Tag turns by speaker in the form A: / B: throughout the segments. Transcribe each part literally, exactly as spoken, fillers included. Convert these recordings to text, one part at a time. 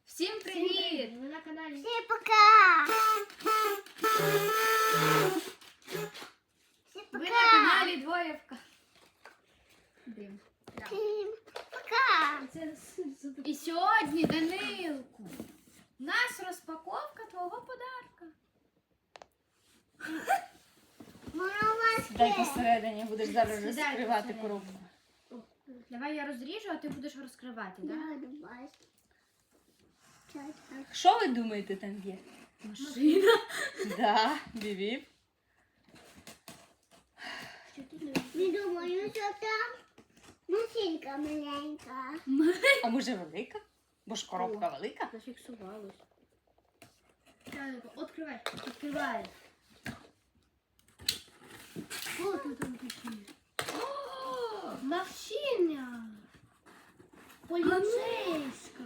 A: Всім привіт!
B: Ви на каналі.
C: Всем пока! Всем
A: Ви
C: пока!
A: на каналі Двоєвка. Дим.
C: Всем пока!
B: Це
A: І сьогодні, Данилку, у нас розпаковка твого подарка.
C: Мама,
D: Дай посередині, будеш зараз
A: Сідай
D: розкривати
A: посередині.
D: коробку.
A: Давай я розріжу, а ти будеш розкривати, так?
C: да, давай. Чай-чай.
D: Що ви думаєте там є?
A: Машина.
D: Да, бібіп.
C: Не думаю, що там машинка маленька.
D: А може велика? Бо ж коробка велика.
A: Зафіксувалось.
B: Відкривай.
A: Відкривай.
B: Що тут там таке? Машина. Поліцейська.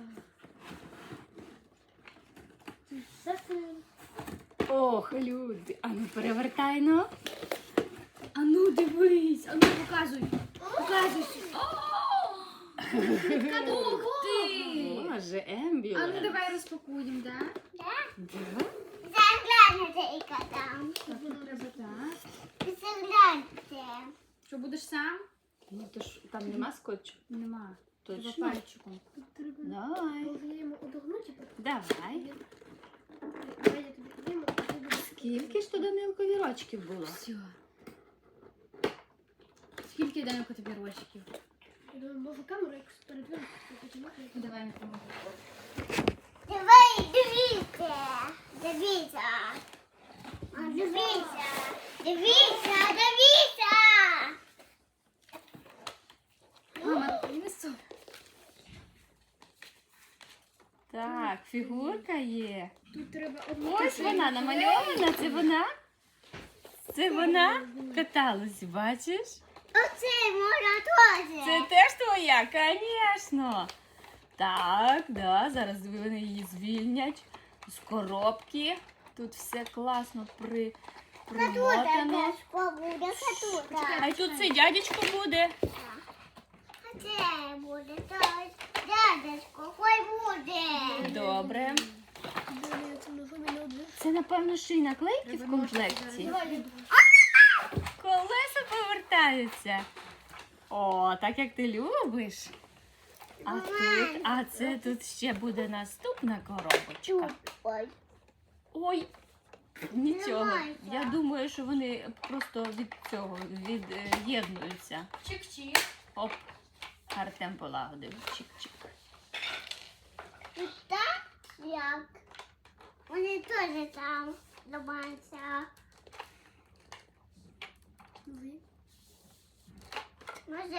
B: Це все.
D: Ох, люди. А ну перевертай, ну.
A: А ну дивись, а ну показуй. Показуй. Ух ти!
D: Боже,
A: А ну
D: ембіленс.
A: давай розпакуємо, так?
D: Да?
C: Загляньте, яка там.
A: Так, тут треба так.
C: Загляньте.
A: Що, будеш сам?
D: Ну то ж там нема скотчу.
A: Нема. Треба
D: Точно?
A: пальчиком.
B: Тут треба.
D: Давай.
B: Можна йому одогнути, потім.
D: Давай.
B: Давай я тобі підійму, а ти будеш.
D: Скільки ж то Данилкові рочків було?
A: Все. Скільки, Данилко, тобі рочків?
B: Я думаю, можу камеру якось передвинути, потім.
A: Давай не поможу.
C: Давай, дивіться. Дивіться. А, Дивіться. Дивіться, дивіться.
A: Мама, принесу.
D: Так, фігурка є.
B: Тут треба одну.
D: Ось вона намальована, це вона? Це вона каталась, бачиш?
C: Оце можна теж.
D: Це теж твоя, звісно. Так, да, зараз вони її звільнять з коробки. Тут все класно при, примотано.
C: Катута буде, катута.
D: А й тут цей дядечко буде.
C: А це буде теж. Дядечко, хай буде.
D: Добре.
B: Далі це ножом і не одне.
D: Це, напевно, ще й наклейки в комплекті.
B: Давай, я
D: Колеса повертаються. О, так як ти любиш. А тут, а це тут ще буде наступна коробочка.
C: Ой.
D: Ой, нічого.
C: Тримайся.
D: Я думаю, що вони просто від цього від'єднуються.
A: Чик-чик.
D: Оп, Артем полагодив. Чик-чик.
C: І так, як. Вони теж там домаються. Може,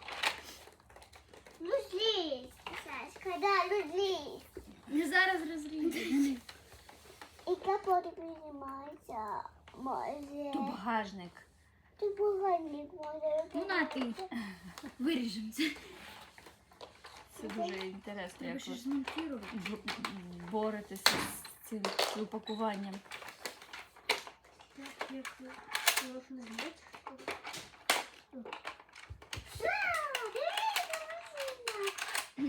C: ну злізь, Сашка, да, ну злізь.
A: Не зараз розріжу.
C: І капот піднімається, може.
D: Тут багажник.
C: Ти поганик може.
A: Ну на ти. Виріжемо це.
D: Це дуже інтересно,
A: Треба
D: як
A: ще
D: ви
A: ж змонтувати.
D: б- боретеся з цим упакуванням.
B: так, як можна зняти.
C: Що? Дивіться, машина.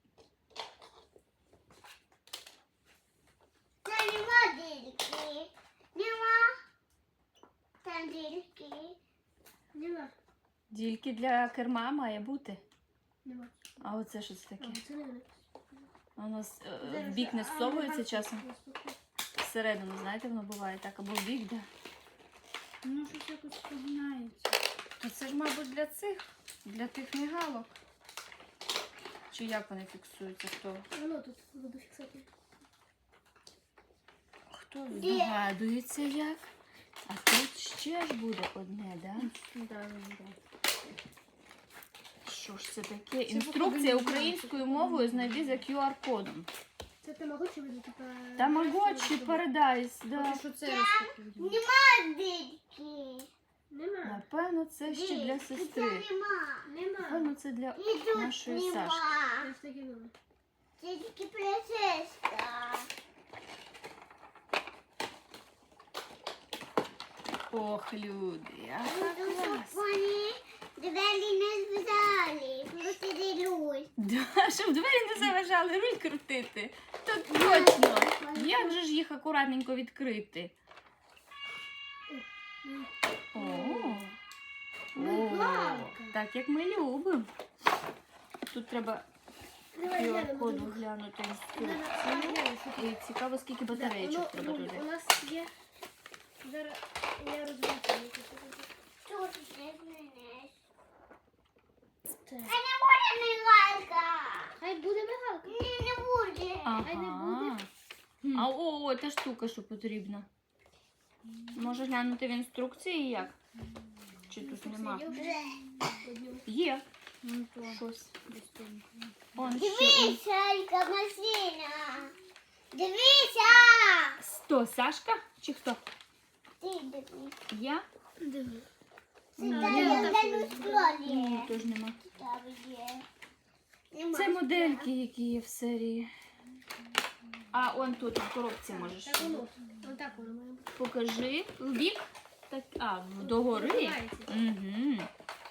C: Це нема дірки. Нема. Там дірки.
B: Нема.
D: Дільки для керма має бути.
B: Нема.
D: А оце що це
B: А,
D: таке?
B: це не не.
D: Воно с- е, в
B: Зараз,
D: бік не
B: а,
D: всовується
B: а,
D: часом. Всередину, знаєте, воно буває так, або в бік, да.
A: Ну, щось якось погинається.
D: А це ж, мабуть, для цих, для тих мігалок. Чи як вони фіксуються? Хто?
B: Воно тут буду фіксати.
D: Хто здогадується як? А тут ще ж буде одне, да?
A: Да, да.
D: Що ж це таке? Інструкція українською мовою знайди за ку ар кодом.
B: Це тамагочі буде, типа...
D: Тамагочі Paradise, да.
A: Поки що це розпакуємо.
C: Нема дірки.
B: Нема.
D: Напевно, це ще для
C: Дірки,
D: сестри.
C: Це нема.
B: Нема.
D: Напевно, це для
C: І тут
D: нашої
C: нема.
D: Сашки.
B: Це таке нема.
C: Це тільки принцеска.
D: Ох, люди, яка
C: Буду, щоб
D: клас.
C: вони двері не зв'язали. Просто ділюсь.
D: Да, щоб двері не заважали, руль крутити. то точно. Як же ж їх акуратненько відкрити? О,
B: Мигалка.
D: так як ми любимо. Тут треба
B: Давай
D: ку ар
B: глянемо.
D: коду
B: Давай
D: глянути
B: глянемо,
D: інструкцію.
B: що тут.
D: І цікаво, скільки
B: Да,
D: батареїчок
B: воно-
D: треба
B: ну,
D: туди.
B: У нас є. Зараз я розберу.
C: Що ти не знаєш?
B: Так.
C: А не буде мигалка.
B: Хай буде мигалка.
C: Ні, не буде.
B: Хай не буде.
D: А о, о, та штука, що потрібна. Може глянути в інструкції як? Чи тут нема?
B: Є вже одну.
D: Є. Щось. Он ще.
C: Дивися, яка машина. Дивися.
D: Хто, Сашка? Чи хто?
C: Ти дивись.
D: Я?
B: Диви.
C: Це
B: Ну,
C: там
B: я
C: є
B: так
C: на
B: ось
C: столі.
D: Ні, теж нема.
C: Там є. Нема.
D: Це модельки, які є в серії. А, он тут в коробці можеш.
B: Так воно. Отак воно має бути.
D: Покажи. В бік? Так, а, догори.
B: Відкривається.
D: Угу.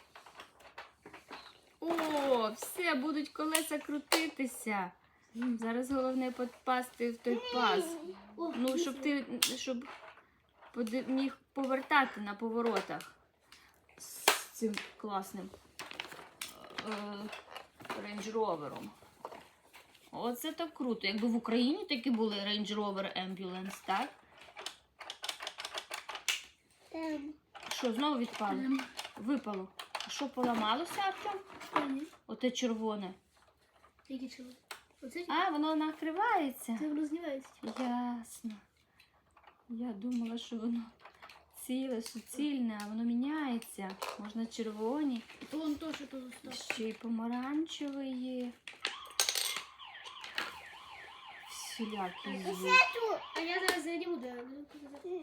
D: О, все, будуть колеса крутитися. Зараз головне попасти в той паз.
B: О,
D: Ну, щоб ти щоб поди- міг повертати на поворотах з цим класним Range Rover'ом. Оце так круто. Якби в Україні такі були Range Rover Ambulance, так?
C: Там.
D: Що, знову відпало? Випало. А що, поламалося, Артем?
B: Ні.
D: Оте червоне.
B: Які чого? Оце
D: А, воно накривається.
B: це воно знімається.
D: Ясно. Я думала, що воно ціле, суцільне, а воно міняється. Можна червоні,
B: То он то, що то zostaв.
D: ще й помаранчевий є. Всілякі є.
C: Тут.
B: А я зараз знайду, де не показати.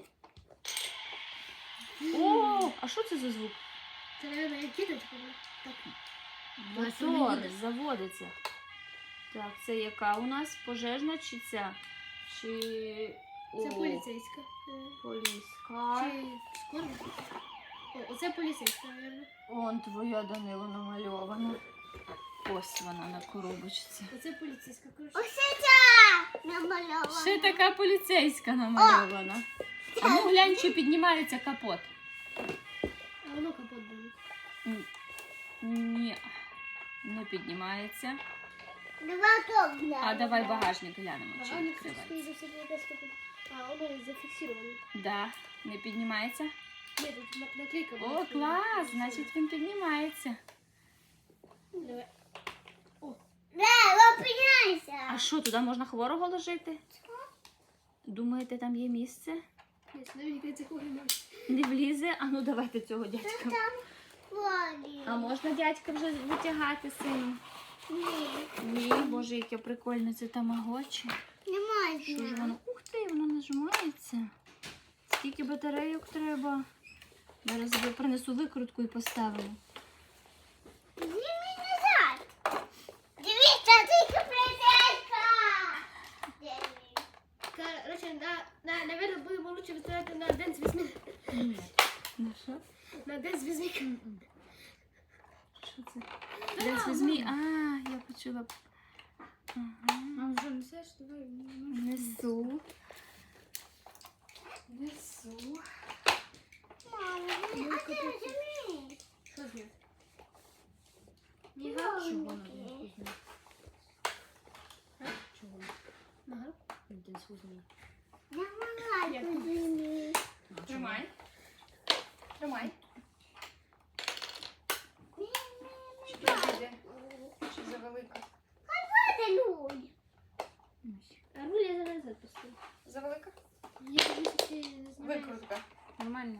D: О, а що це за звук?
B: Це, мабуть, як кіточка. Так.
D: Мотор заводиться. Так, це яка у нас? Пожежна чи ця? Чи
B: Це
D: О,
B: поліцейська. Е,
D: поліська?
B: Чи скоро? О, оце поліцейська, мабуть.
D: Он твоя, Данило, намальована. Ось вона на коробочці.
B: Оце поліцейська, коротше.
C: Оце ця намальована.
D: Ще така поліцейська намальована. А ну глянь, чи піднімається капот.
B: А воно капот буде.
D: М, Ні, не піднімається.
C: Два топ.
D: А давай багажник глянемо, чи
B: А, вони,
D: відкривається.
B: скоріше за все, якась капот. А, воно зафіксировано.
D: Да, не піднімається.
B: Ні, тут на- наклейка була.
D: О, клас, значить він піднімається.
B: Давай.
C: Да, опиняйся.
D: А що, туди можна хворого ложити? Думаєте, там є місце?
B: Ні, сюди мені кажеться, кого немає.
D: Не влізе? А ну давайте цього дядька.
C: Там воді.
D: А можна дядька вже витягати сину?
C: Ні,
D: Ні, боже, яке прикольне це тамагочі.
C: не
D: Що ж
C: можна.
D: воно? Ух ти, воно нажимається. Скільки батарейок треба? Зараз я принесу викрутку і поставлю.
C: Зніми назад. Дивіться, тільки принцеска.
B: Короче, на, на, наверное, будемо лучше виставляти на день з вісьми.
D: Ні. Ну що?
B: На день з вісьми.
D: Що це? Десь візьмі. А, я почула. Ага.
A: А вже несеш? Давай.
D: Несу. Несу.
C: Мама, а ти розумієш?
B: Що з ним?
C: Мигалки.
A: Чого?
B: Ага.
A: Один сузний.
C: Я мигалку зніми.
D: Тримай. Тримай. Чи підійде? Чи завелика?
C: Поцілуй.
B: А руль я зараз запустив.
D: Завелика?
B: Я висоти не знаю.
D: Викрутка.
A: Нормально.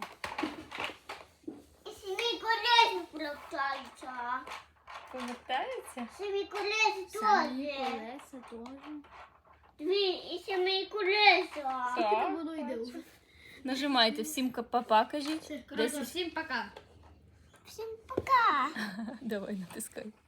C: І самі колеса плавтаються.
D: Повертається?
C: Самі колеса
A: Самі
C: теж.
A: колеса теж.
C: Дві, і самі колеса.
B: Скільки там воно йде вже?
D: Нажимайте всім папа, кажіть.
B: Все,
A: Коротше,
D: Десять.
A: всім пока.
C: Всім пока.
D: Давай натискай.